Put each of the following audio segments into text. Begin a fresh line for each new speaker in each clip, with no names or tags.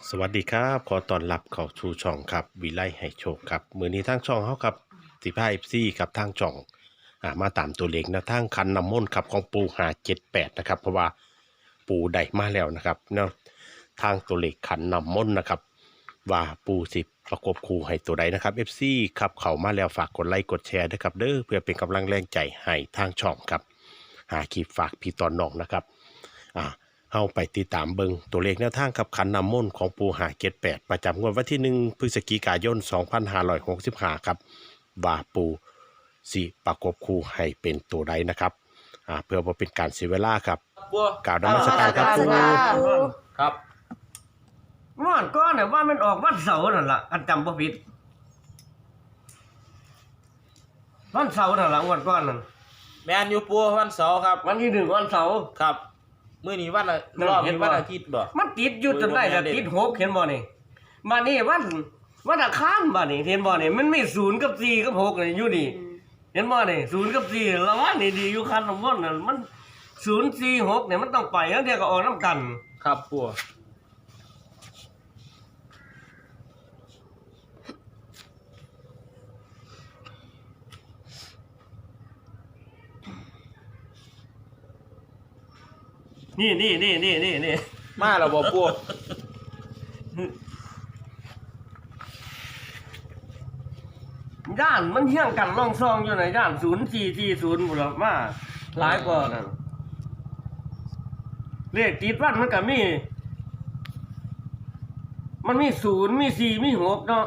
สวัสดีครับขอต้อนรับเข้าสู่ช่องครับวิไลให้โชคครับมือนี้ทางช่องเขาครับ15 FCครับทางช่องมาตามตัวเลขนะทางคันน้ำมนต์ครับของปู578นะครับเพราะว่าปูได้มาแล้วนะครับเนาะทางตัวเลขขันน้ำมนต์นะครับว่าปูสิประกบคู่ให้ตัวใดนะครับ FC ครับเข้ามาแล้วฝากกดไลค์กดแชร์ด้วยครับเด้อเพื่อเป็นกำลังแรงใจให้ทางช่องครับหาคลิปฝากพี่ตอนน้องนะครับเฮาไปติดตามเบิงตัวเลขแนวทางกับขันน้ำมนต์ของปู578ประจำงวดวันที่1พฤศจิกายน2565ครับว่าปูสิประกบคู่ให้เป็นตัวใดนะครับเพื่อบ่เป็นการเสียเวลาครับกล่าวนมัสการครับปู
ครับ
วันก้อนเนี่ยว่ามันออกวันเสาร์นั่นล่ะอันจำบ่ผิดวันเสาร์นั่นล่ะวันก้อนนั่น
แมนยูปูวันเสาร์ครับ
วันที่1วันเสาร์
ครับมื้อนี้วันรอบนี้วันอาทิตย์บ่
มันติดอยู่จนได้แต่ติด6เห็นบ่นี่มานี่วันอังคารบ่นี่เห็นบ่นี่มันมี0กับ4กับ6นี่อยู่นี่เห็นบ่นี่0กับ4ระวังนี่ดีอยู่คันของมันนั่นมัน0 4 6เนี่ยมันต้องไปแล้วเดี๋ยวก็ออกนํกัน
ครับปู
นี่
มาแล้วบ่ปู
ย่านมันเฮี้ยงกันร่องซองอยู่ในย่าน0440พุ่นล่ะมาหลายกว่านั่นเลขติดวันมันก็มีมันมี0มี4มี6เนาะ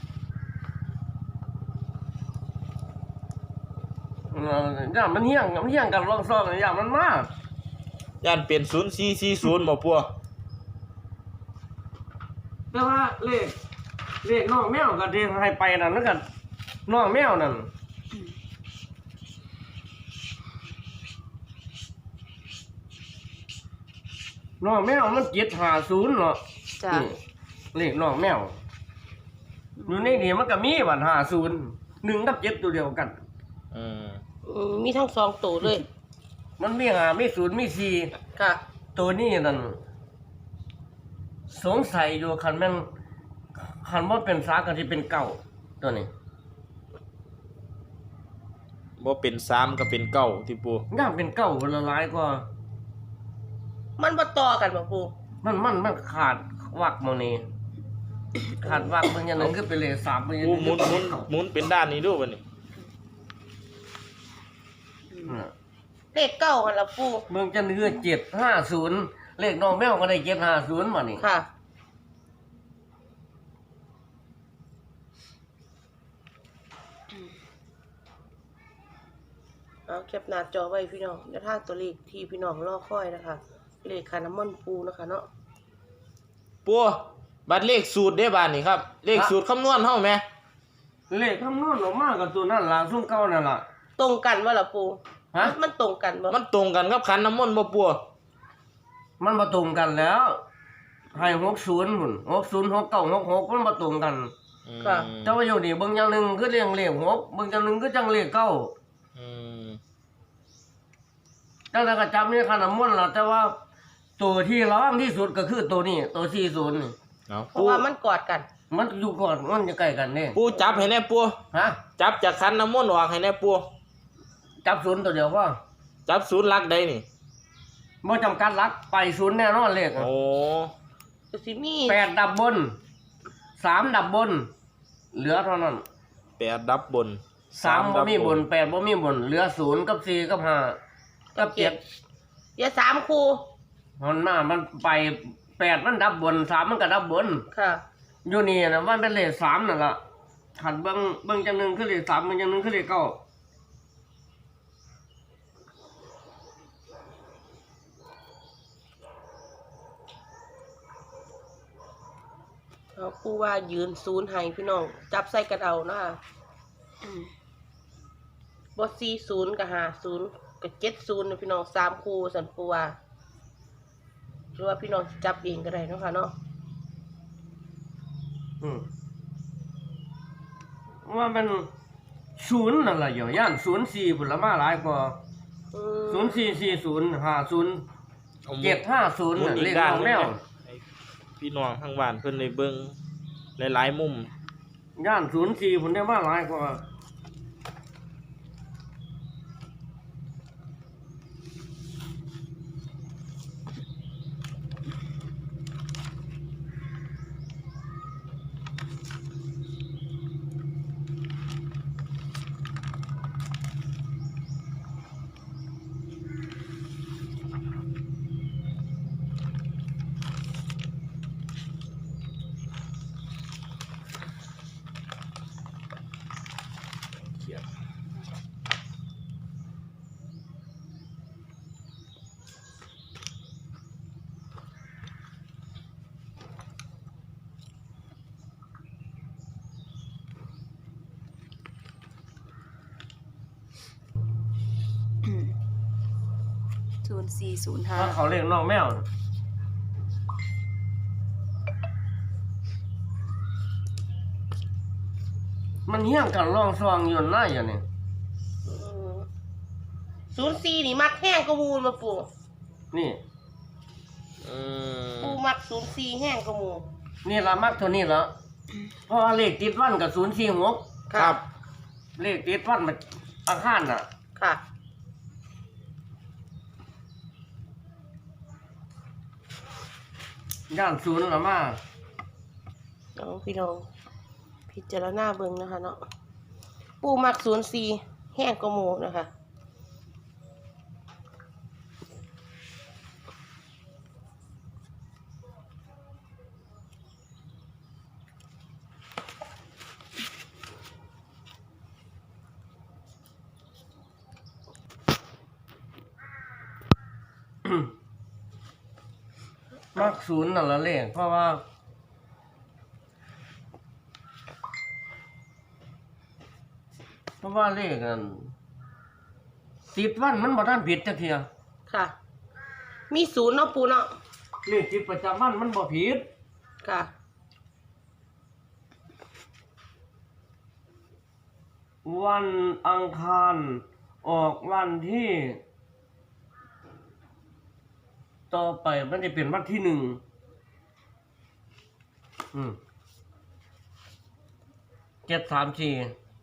ย่านมันเฮี้ยงกันร่องซองย่านมันมา
ย่านเป็น0440บ่ปู
แต่ว่าเลขน้องแมวก็ที่ให้ไปนั่นแล้วกันน้องแมวนั่นน้องแมวมัน750เนาะ
จ้ะ
เลขน้องแมวอยู่ในนี้มันก็มีบัตร50 1กับ7ตัวเดียวกัน
อืม
มีทั้งสองตัวเลย
มันมี5มี0มี4
ค่ะ
ตัวนี้นั่นสงสัยอยู่คันว่าเป็นสาก็สิเป็นเก่าตัวนี้
บ่เป็น3ก็เป็น9ที่ปู
ย่ามเป็นเก่าละลายกว่า
มันบ่ต่อกันบ่ปู
มันขาดวักโมนี่ขาดวักมันอย่างนั้นก็เป็นเลข3มันอย่าง
ปู
นั้น
หมุนเป็นด้านนี้ดูบัดนี้
เลขเก้ากันละปู
เมืองจันทร์คือ750เลขน้องแมวก็ได้750มานี่
ค่ะเอาแคปหน้าจอไว้พี่น้องแล้วทางตัวเลขที่พี่น้องรอคอยนะคะ เลขคาน้ำมันปูนะคะเนาะ
ปูบัดเลขสูตรเด้บาดนี้ครับ เลขสูตรคำนวณเฮาแหม
เลขคำนวณออกมากับตัวนั่นล่ะซุ่มเก่านั่นล่ะ
ตรงกันว่าละปู
ฮะ
มันตรงกันบ่
มันตรงกันกับขันน้ำมนต์บ่ปู
มันมาตรงกันแล้วให้60หุ่น60 69 66มันมาตรงกัน
ค่ะ
แต่ว่าอยู่นี่เบิ่งอย่างหนึงคือเลข6เบิ่งอย่างหนึงคือจังเลข9
อืม
แต่ก็จำนี่ขนาดมนต์ล่ะแต่ว่าตัวที่ร้องที่สุดก็คือตัวนี้ตัว40นี่
เอา
เพ
ปู
ราะว่ามันกอดกัน
มันอยู่ก่อนมันจะใกล้กันนี่
ปูจับให้แน่ปู
ฮะ
จับจากขันน้ำมนต์ออกให้แน่ปู
จับศูนย์ตัวเดียวว่า
จับศูนย์หลักใดนี่
บ่จำกัดหลักไปศูนย์แน่นอนเลข
โอ้
ก็สิมี
8ดับบน3ดับบน เหลือเท่านั้น
8ดับบน
3บ่มีบน8บ่มีบนเหลือ0กับ4กับ5กับ7
อย่า3คู่
มันไป8มันดับบน3มันก็ดับบน
ค่ะ
อยู่นี่นะมันเป็นเลข3นั่นล่ะขันเบิ่งจังหนึงคือเลข3เบิ่งจังหนึงคือเลข9
เอาปูว่ายืนศูนย์ให้พี่น้อง จับใส่กันเอานะคะบ่40กับ50กับ70นะพี่น้อง3คู่สันปูว่าหรือว่าพี่น้องสิจับเองก็ได้เนาะค่ะเนาะ
ว่ามันศูนย์นั่นแหละอย่างย่าน04ผลมาหลายกว่า 044050 750น่ะเลขน้องแมว
พี่พี่น้องทางบ้านเพิ่นได้เบิ่งหลายๆมุม
ย่าน04ผมได้มาหลายกว่า
0405
ถ้าเขาเรียกน้องแมว มันเฮี้ยงกันร่องซองอยู่หน้าอย่างนี้
04นี่มักแห้งกว่าหมูมาปู
นี่
อืม
ปูมัก04แห้งกว่าหมู
นี่ละมักเท่านี้แล้วเพราะว่าเลขติดวันกับ046
ครับ
เลขติดวันมันอังคารน่ะ
ค่ะ
ย่านศูนย์ละมา
น้องพี่น้องพิจารณาเบิ่งนะคะเนาะปูมัก04แห้งกว่าหมูนะคะ
มักศูนย์นั่นละเลขเพราะว่าเลขนั้นติดวันมันบ่ทันผิดจักเทีย
ค่ะ มี0เนาะปูเนาะ
เลขติดประจำวันมันบ่ผิด
ค่ะ
วันอังคารออกวันที่ ต่อไปมันจะเป็นวันที่1734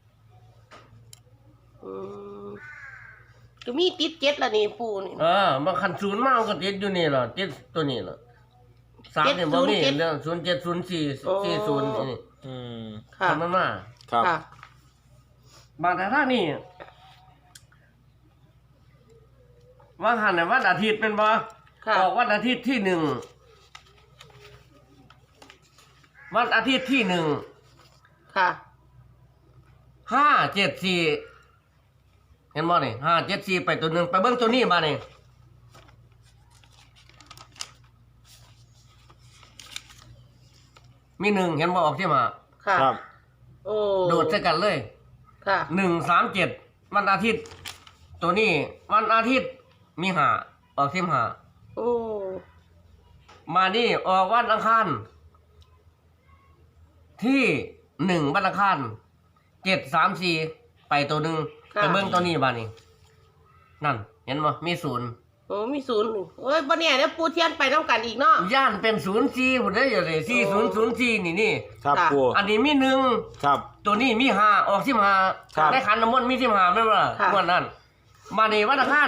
ก็มีติด7ละนี่ปูนี่
มันคันศูนย์มามันก็ติดอยู่นี่ล่ะติดตัวนี้ล่ะ3เนี่ยบ่มีเรื่อง070440นี่
อืม
ค่ะ
ทำมันมา
ครับ
ค่ะ
บางแต่ทางนี่ว่าหันน่ะวันอาทิตย์เป็นบ่
ค่ะ
ออกวันอาทิตย์ที่1วันอาทิตย์ที่1
ค่ะ
574เห็นบ่นี่574ไปตัวหนึงไปเบิ่งตัวนี้มานี่มี1เห็นบ่ออกที่มา
ค่ะ
ครับ
โอ้
โดดใส่กันเลย
ค่ะ
137วันอาทิตย์ ตัวนี้วันอาทิตย์มี5ออกที่5
โอ้
มานี่ออกวันอังคารที่1วันอังคาร734ไปตัวหนึงไปเบิ่งตัวนี้บาดนี้นั่นเห็นบ่มี0
โอ้มี0โอ้ยบ่เนี่ยเดี๋ยวปูเทียนไปต้องกันอีกเนาะ
ย่านเป็น04พุ่นเด้ออยู่เลย4004นี่
ครับ
ค่ะ
ปู
อันนี้มี1
ครับ
ตัวนี้มี5ออก15
ครับ
ได้ขันน้ำมนต์มี15แม่นบ่ล่ะ
ค่ะ
งวดนั้นมานี่วันอังคาร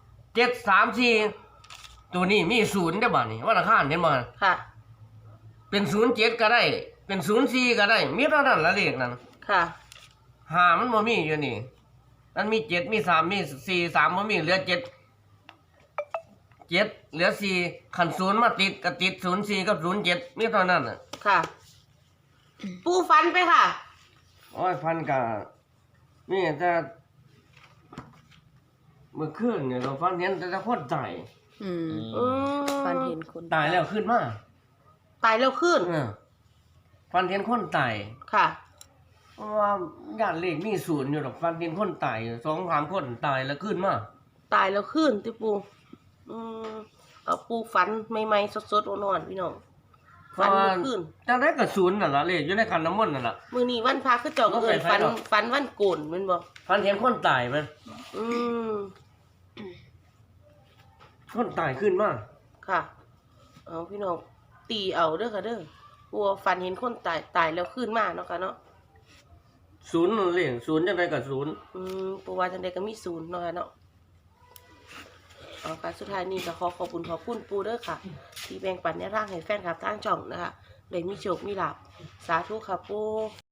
734ตัวนี้มี0ได้อบ่นี่วันอังคารเห็นบ่
ค่ะ
เป็น07ก็ได้ เป็น04ก็ได้มีเท่านั้นละเลขนั้น
ค่ะ
5มันบ่มีอยู่นี่มันมี7มี3มี4 3บ่มีเหลือ7เหลือ4คัน0มาติดก็ติด04กับ07มีเท่านั้นน่ะ
ค่ะ ปูฟันไปค่ะ
โอ้ยพันกะนี่แต่เมื่อคืนเนี่ยเราฟันเห็นแต่คนตาย
อืม
ฟันเห็นคน
ตายแล้วขึ้นมา
ตายแล้วขึ้น
ฟันเห็นคนตาย
ค่ะ
เพราะว่าญาติเลขมี0อยู่ดอกฟันเห็นคนตาย2-3คนตายแล้วขึ้นมา
ตายแล้วขึ้นติปูเอาปูฟันใหม่ๆสดๆอ่อนๆพี่น้อง
เพ
ฟัน
ราะว่า
ขึ้น
จังได้กับ0นั่นล่ะเลขอยู่ในคันน้ำมนต์นั่นล่ะ
มื้อนี้วันพระคือเจ้าก็เอิ้นฟัน
บ่ไปไผดอก
ฟันวันโกนแม่นบ่
ฟันเห็นคนตายมัน
อืม
คนตายขึ้นมา
ค่ะ เอาพี่น้อง ตตีเอาเด้อค่ะเด้อปูฝันเห็นคนตายแล้วขึ้นมาเนาะค่ะเนาะ
ศูนย์นั่นเลยศูนย์จังไดก็ศูนย์
ปูว่าจังใดก็มีศูนย์เนาะค่ะเนาะเอาค่ะสุดท้ายนี้ก็ขอบคุณปูเด้อค่ะ ที่แบ่งปันแนวทางให้แฟนคลับทางช่องนะคะได้มีโชคมีลาภสาธุค่ะปู